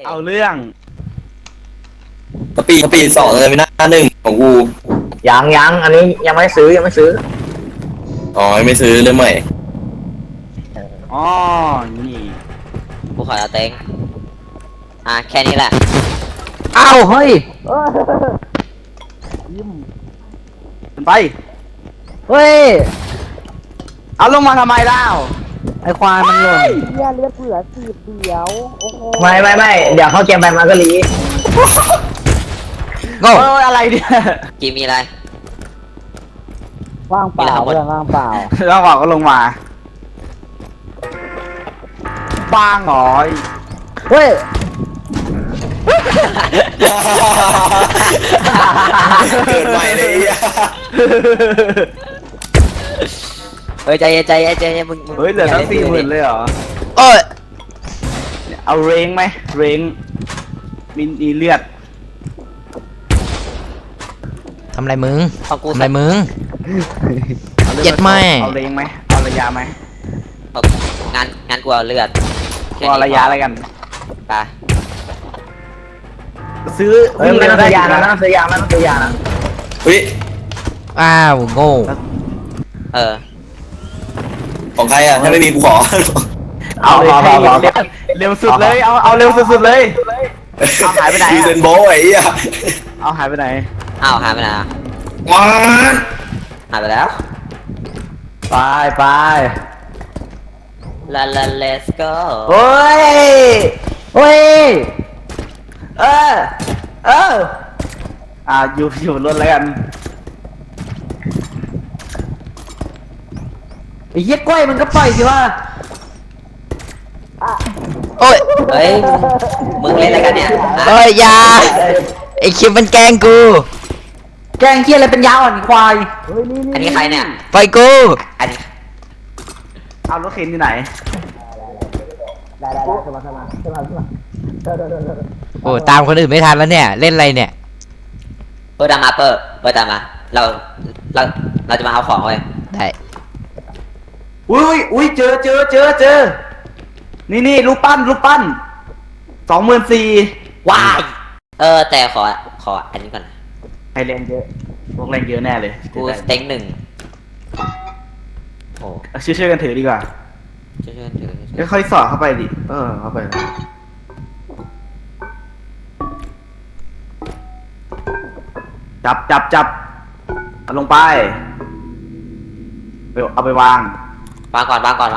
เอาเรื่องสปีด2เลยไม่น่าหนึ่งของกูยังอันนี้ยังไม่ซื้ออ๋อไม่ซื้อเรื่องใหม่อ๋อนี่กูขอเอาเต็งแค่นี้แหละอ้าวเฮ้ยขึ้นไปเฮ้ยเอาลงมาทำไมเล่าไอควายมันหล่นอย่าเลือดเผื่อสีบเดียวโอ้โหไม่เดี๋ยวเข้าเกมไปมันก็รีโอ้ยอะไรเนี่ยกีมีอะไรว่างเปล่าเพื่อนว่างเปล่าแล้วบอกก็ลงมาบ้างเหรอเฮ้ยเกิดใหม่เลยอ่ะเฮ้ยใจเย็นมึงเฮ้ยเหลือตั้ง40,000เลยเหรอโอ้ยเอาเรงไหมเรงมีเลือดทำไรมึงของกูทำไรมึงอาลือเจ็ดแม่เอาเรงไหมเอาระยะไหมงานกูเอาเลือดเอาระยะอะไรกันไปซื้อเฮ้ยไม่ต้องซื้อยานะไม่ต้องซื้อยานะเฮ้ยอ้าวโง่เออของใครอ่ะถ้าไม่มีกูขอเอาเลยเร็วสุดเลยเอาเร็วสุดๆเลย เอาหายไปไหนอะยูเซนโบไอ้เหี้ยเอาหายไปไหนอ้าวหายไปไหนอ่ะว้าหายไปแล้วไปลา let's go เฮ้ยเอออยู่รถแล้วกันไอ้เหี้ยกล้วยมันก็ปล่อยสิว่าโอ้ยเฮ้ยมึงเล่นอะไรกันเนี่ยเอ้ยอยาไอคิมมันแกล้งกูแกงเหี้ยอะไรเป็นยาอ่อนควายอันนี้ใครเนี่ยไปกูอันนี้เอารถเข็นที่ไหนโอ้ตามคนอื่นไม่ทันแล้วเนี่ย เล่นอะไรเนี่ยเปิดตามมาเปิดตามมาเราจะมาเอาของเว้ยได้อุ้ยเจอนี่รูปปั้น24,000 ว้ายแต่ขออันนี้ก่อนนะใครแรงเยอะพวกแรงเยอะแน่เลยกูสเต็ง1โอ้ช่วยกันถือดีกว่าช่วยถือค่อยๆสอดเข้าไปดิเข้าไปจับเอาลงไปเอาไปวางวางก่อนว้า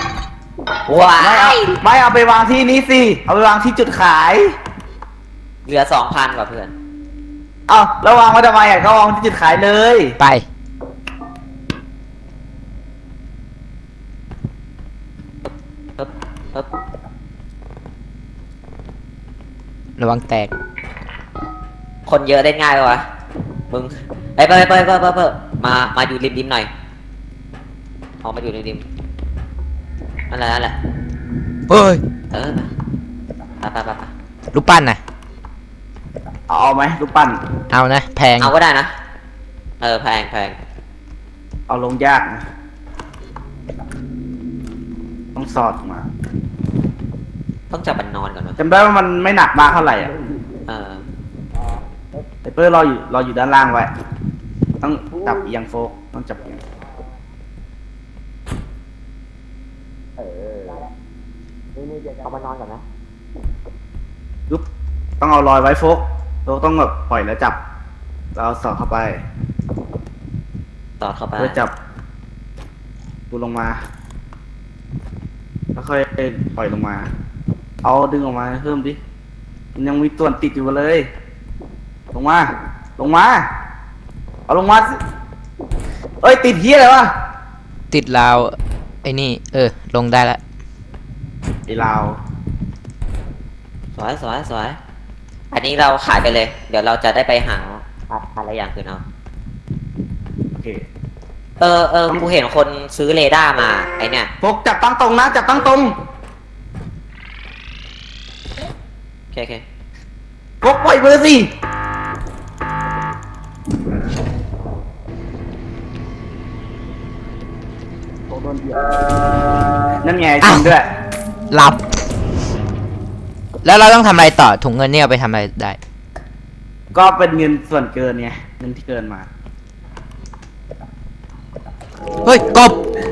ไม่เอาไปวางที่นี้สิเอาไปวางที่จุดขายเหลือ 2,000 กว่าเพื่อนเอาแล้ววางไว้ทำไมก็วางที่จุดขายเลยไปปึ๊บระวังแตกคนเยอะได้ง่ายปะวะมึงไปมาอยู่ริมหน่อยออกมาอยู่ริมนั่นแหละเฮ้ยไปรูปปั้นน่ะเอาไหมรูปปั้นเอานะ แพงเอาก็ได้นะแพงเอาลงยากนะต้องสอดมาต้องจับมันนอนก่อนวะจำได้ว่ามันไม่หนักมากเท่าไหร่อ่ะ แต่เพื่อรออยู่ด้านล่างไว้ต้องจับเอียงโฟกต้องจับเอียงเอามานอนก่อนนะยุบต้องเอารอยไว้โฟกเราต้องแบบปล่อยแล้วจับแล้วสอดเข้าไปตอดเข้าไปเพื่อจับดูลงมาแล้วค่อยปล่อยลงมา เอาดึงออกมาเพิ่มดิมันยังมีตัวติดอยู่เลย ลงมาเอาลงมาสิเอ้ยติดเฮียอะไรวะติดราว ไอ้นี่ ลงได้ละไอ้ลาวสวยอันนี้เราขายไปเลย เดี๋ยวเราจะได้ไปหาอะไรอย่างคืนเอาโอเคกูเห็นคนซื้อเรดาร์มาไอเนี่ยโฟกจับตั้งตรงนะจับตั้งตรงโอเคโฟกปล่อยมือสินั่นไงจริงด้วยหลับแล้วเราต้องทำอะไรต่อถุงเงินเนี่ยเอาไปทำอะไรได้ก็เป็นเงินส่วนเกินไงเงินที่เกินมาเฮ้ยกบ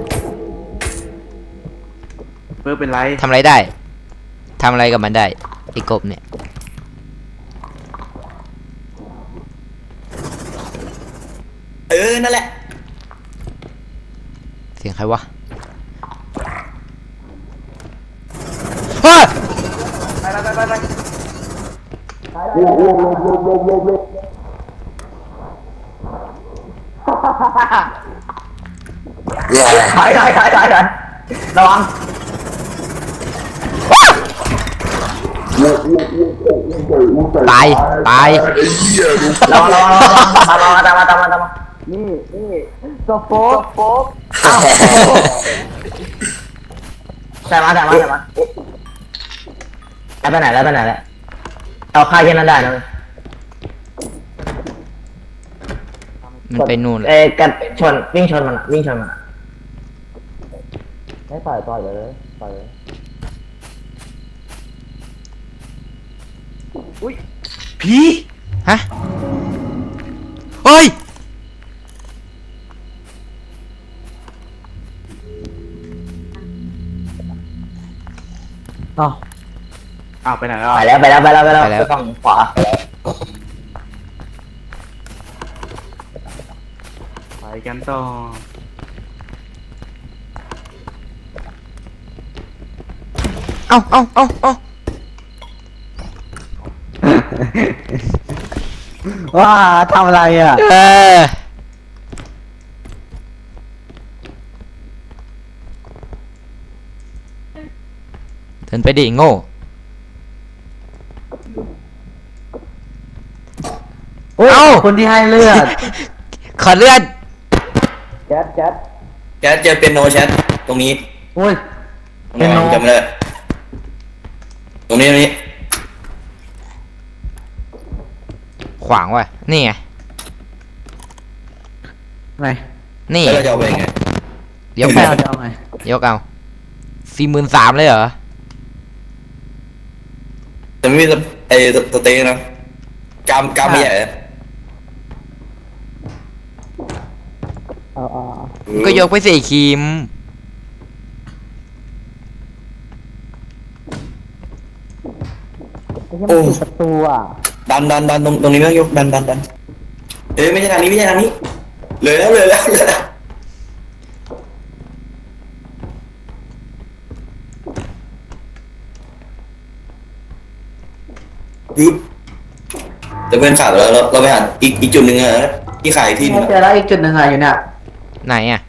เพื่อเป็นไรทำอะไรได้ทำอะไรกับมันได้ไอ้กบเนี่ยนั่นแหละเสียงใครวะเฮ้ยถอยระวังตายตายระวังตามมานี่โซโฟกใส่มาแล้วไปไหนแล้วเอาค่าแค่นั้นได้นะมันไปนู่นกันชนวิ่งชนมันไม่ปล่อยเลยผีฮะเฮ้ยอ๋ออ้าวไปไหนแล้วไปอะแล้วไปฝั่งขวาไปกันต่อเอ้าว้าทำอะไรอ่ะเออเดินไปดิโง่ เอ้าคนที่ให้เลือดขอเลือดแก๊สแชทเจอเป็นโนแชทตรงนี้โอ้ยตรงไหนจำไม่ได้ตรงนี้ขวางว่ะ นี่ไงไหนนี่แล้วเราจะเอาไปยังไงยกไม่เอาเอาจะเอาไงยกเอา43,000เลยเหรอแต่ไม่มีสเต็กนะกามไม่ใหญ่นะเอาก็ยกไปสิครีมโอ้ประตูอ่ะดันตรงนี้ไม่ต้องยกดันไม่ใช่ทางนี้เลยแล้วปึ๊บแต่เพื่อนขาดแล้วเราไปหาอีกจุดหนึ่งอะที่ขายที่นึงเจอแล้วอีกจุดหนึ่งอะอยู่เนี่ยไหนอ่ะ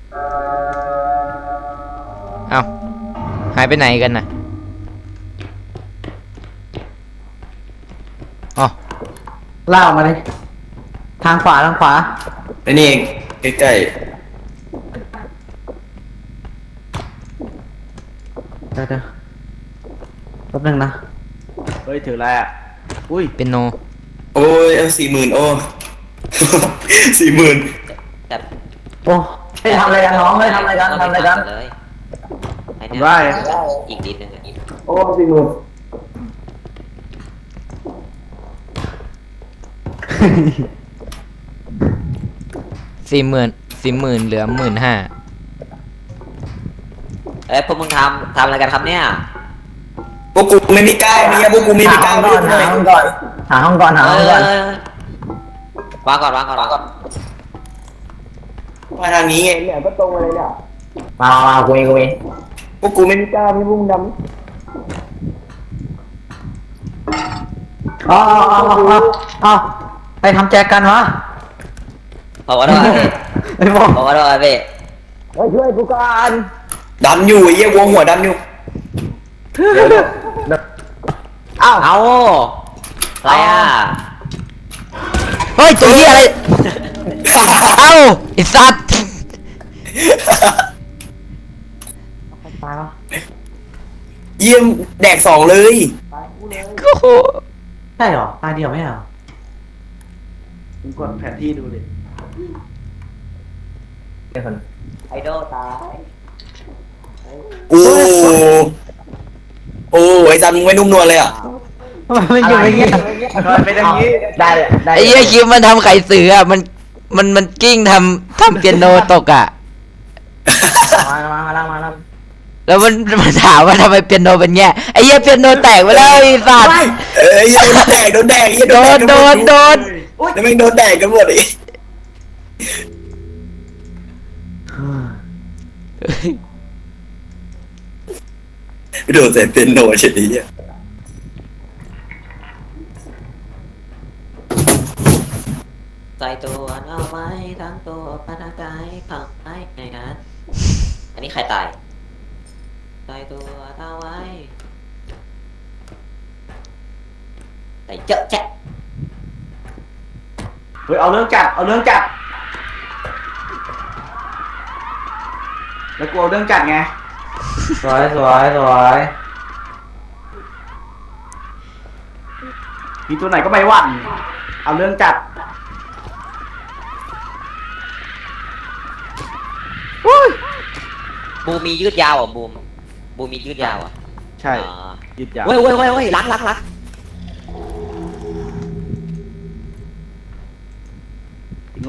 เอ้า หายไปไหนกันน่ะอ๋อล่ากมาเลยทางขวาไอ้นี่ใกล้เดี๋ยวแป๊บนึงนะเฮ้ยถืออะไรอ่ะอุ้ยเป็นโนๆโอ้ย40,000โอ้ 40,000 แต่โอ้ให้ทำอะไรกันน้องให้ทำอะไรกันเลยให้เนี่ยได้อีกนิดนึงอะโอ้40,000 40,000เหลือ15,000 เอ้ยพวกมึงทำอะไรกันครับเนี่ยพวกกูไม่มีกล้ามีอะพวกกูไม่มีกล้าหาห้องก่อนวางก่อนมาทางนี้ไงเนี่ยก็ตรงมาเลยเนี่ยมากูมีพวกกูไม่มีกล้าพี่บุ้งดเอาไปทำแจกันวะขอโทษพี่ไอ้บอกขอโทษพี่ช่วยกูก่อนำดันอยู่ไอ้เหี้ยวงหัวดันอยู่เอาเอาอะไรอ่ะเฮ้ย ตัวนี้อะไร เอ้าไอ้สัตว์ตายแล้วเยี่ยมแดก2เลยโอ้โหใช่เหรอตายเดียวไม่เหรอมึงกดแผนที่ดูดิไอดอลตายโอ้โอ้ไอ้ซันมึงไม่นุ่มนวลเลยอ่ะมันอยู่อย่างเงี้ยมันเป็นอย่างนี้ได้เลยได้ไอ้เหี้ยคิมมันทำไข่เสืออะมันกิ้งทำเปียโนตกอ่ะมาแล้วมันถามว่าทำไมเปียโนเป็นเงี้ยไอ้เหี้ยเปียโนแตกไปแล้วไอ้สัตว์เอ้ยโดนแดกเหี้ยโดนแล้วแม่งโดนแดกกันหมดอีกโดนใส่เป็นโนเฉยอ่ะใส่ตัวเอาไว้ทั้งตัวปานกายผักไอ้ในนั้นอันนี้ใครตายใส่ตัวเอาไว้ใส่เจ๊ะแจ๊ะเฮ้ยเอาเรื่องจัดแล้วกูเอาเรื่องจัดไงสวยมีตัวไหนก็ไม่หวั่นเอาเรื่องจัดบูมมียืดยาวอ่ะบูมมียืดยาวอ่ะใช่อ๋อยึดยาวเว้ยล้างโง่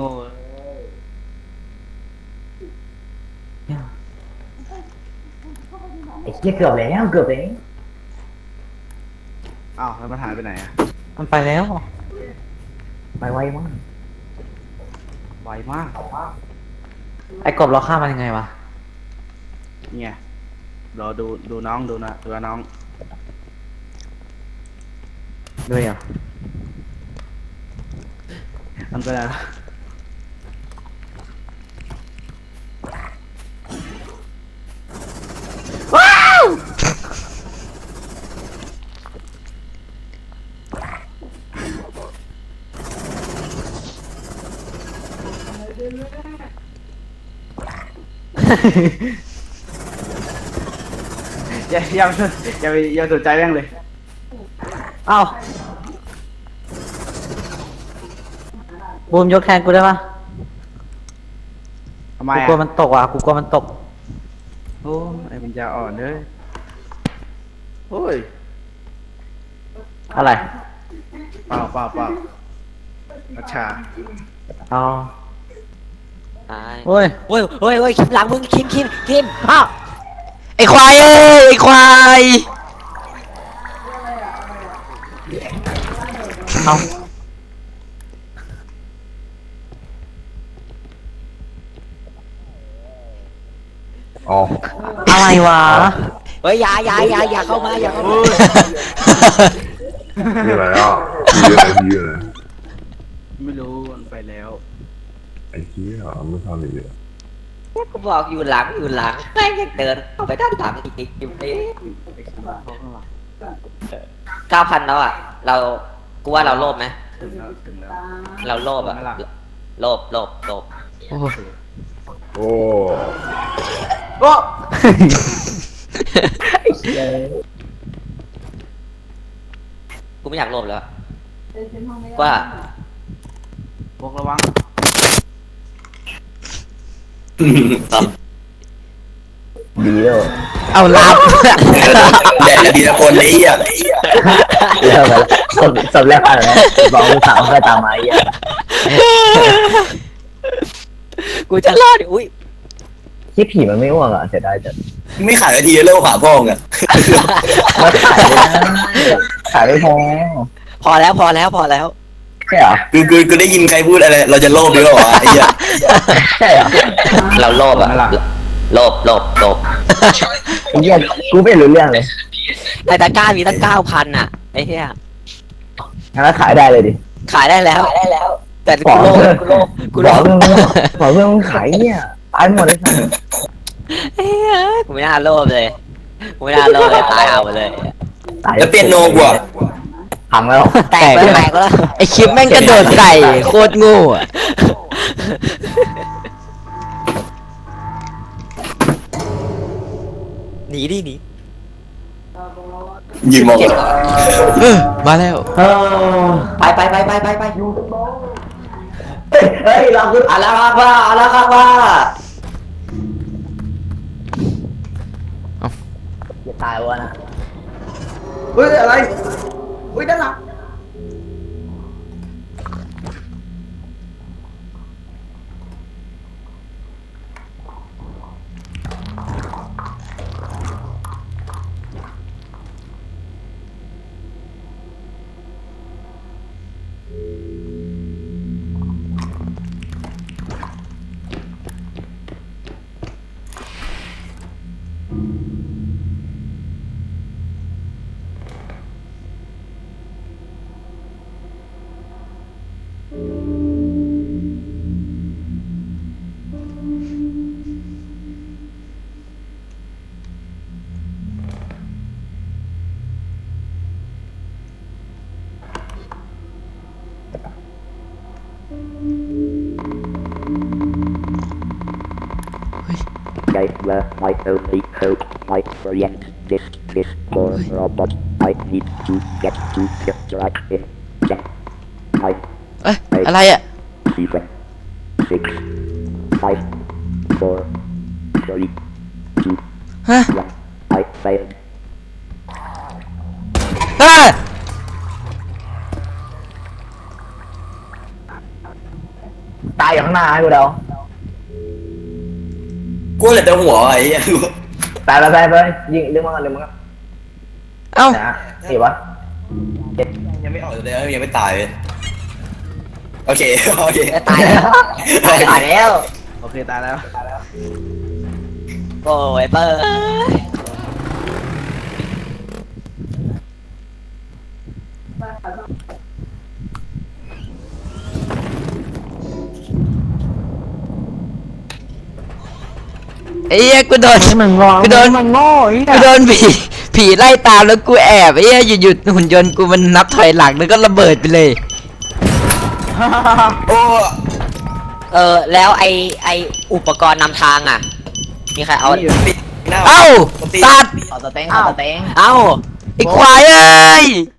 ไอ้เหี้ยเกือบแล้วอ้าวแล้วมันหายไปไหนอะมันไปแล้วไปไวมากไวมากไอ้กบเราฆ่ามันยังไงวะนี่ไงรอดูน้องดูน้องด้วยเหรอมันเป็นอะไร อย่าสนใจแม่งเลยเอ้าบูมยกแทนกูได้ปะทำไมกูอะกลัวมันตกว่ะกูกลัวมันตกโอ้ไอ้ปัญญาอ่อนเลยโอ้ยอะไรเปล่าอัชชาอ๋อตายโอ้ยเว้ยคิมหลังมึงคิมอ้าวไอ้ควายเอ้ยไอ้ควายเอาอ๋ออะไรวะเฮ้ยอย่าเข้ามาอย่าเข้ามามีอะไรอ่ะมีอะไรไม่รู้มันไปแล้วไอ้เหี้ยไม่ทำอีกเลยกูบอกอยู่หลังแม่งยังเดินเข้าไปด้านหลังอีกอยู่เอ๊ะไอ้ข้างหลังข้างหลัง 9,000แล้วอ่ะกูว่าเราโลภไหมถึงแล้วเราโลภอ่ะไม่ล่ะโลภโอ้โอ้โอ้กูไม่อยากโลภแล้วว่าพวกระวังดีแล้วเอาลับแดกดีนะคนนี้อ่ะเลิกแล้วสมแรกผ่านแล้วบอกกูสาวก็ตามมาไอ้เหี้ยกูจะรอดอุ้ยที่ผีมันไม่อ้วกอ่ะเสียดายจัดไม่ขายทีเลิกหาพ่อไงมาขายเลยนะขายไม่พอพอแล้วใช่เหรอกูได้ยินใครพูดอะไรเราจะโลภดีกว่าไอ้เหี้ยใช่เหรอเราโลภอ่ะโลภไอ้เหี้ยกูไม่รู้เรื่องเลยแต่ตะกร้ามีตั้ง 9,000อ่ะไอ้เหี้ยงั้นขายได้เลยดิขายได้แล้วแต่บอกูกโลภบอกเพื่อนมึงขายเนี่ยตายหมดเลยสัสเฮ้ยกูไม่น่าโลภเลยตายเอาไปเลยตายแล้วเปียโนกูอ่ะพังแล้วแตกแล้วไอ้คิมแม่งกระโดดใส่โคตรโงูอ่ะหนีดิหนียืนมองมาแล้วเออไปอยู่เฮ้ยเราคืออาลาคาว่าอย่าตายวะนะเฮ้ยอะไรเฮ้ยด้านหลัง Guys, my only hope, my friend, this poor robot. I need to get to the right in. Check. I เอ้ยอะไรอ่ะ 7, 6, 5, 4, 3, 2, ฮะ 1. I failed. เฮ้ยตายอยู่ข้างหน้าให้กูเดากูเหลือแต่หัวไอ้เหี้ยไปยิงดึงมาก่อนดึงมาก่อนเอ้านะนี่วะยังไม่ออกเลยยังไม่ตายเลยโอเคโอเคตายแล้วตายแล้วโอเคตายแล้วโอ้ยเปิดไอ้เหี้ยกูโดนมึงงอกูโดนมึงโง่ไอ้เหี้กูยโดนผีไล่ตามแล้วกูแอบไอ้เหี้ยหยุดหุ่นยนต์กูมันนับถอยหลังแล้วก็ระเบิดไปเลยโอ้แล้วไออุปกรณ์นำทางอ่ะ มีใครเอาติดหน้าเอ้าติดสัตว์ขอสเต็งขอสเต็งเอ้าไอ้ควายเอ้ย